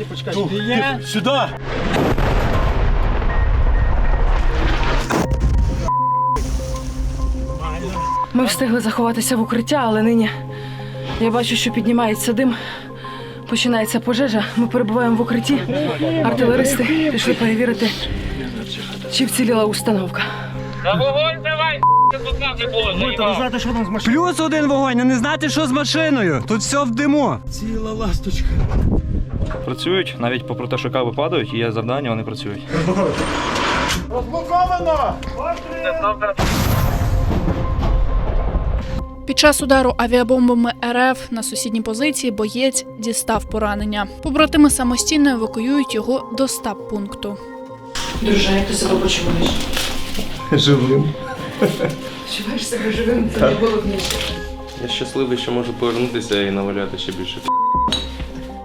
почекай. Сюди! Ми встигли заховатися в укриття, але нині я бачу, що піднімається дим. Починається пожежа. Ми перебуваємо в укритті. Артилеристи пішли перевірити, чи вціліла установка. На вогонь давай, тут нас не було. Ви знаєте, що там з машиною? Плюс один вогонь, а не знати, що з машиною. Тут все в диму. Ціла ласточка. Працюють, навіть попри те, що кави падають, і є завдання, вони працюють. Розблоковано! Під час удару авіабомбами РФ на сусідній позиції боєць дістав поранення. Побратими самостійно евакуюють його до стаб-пункту. Друже, як ти себе почуваєш? Живим. Почуваєш себе живим? Це не було б ніж. Я щасливий, що можу повернутися і наваляти ще більше.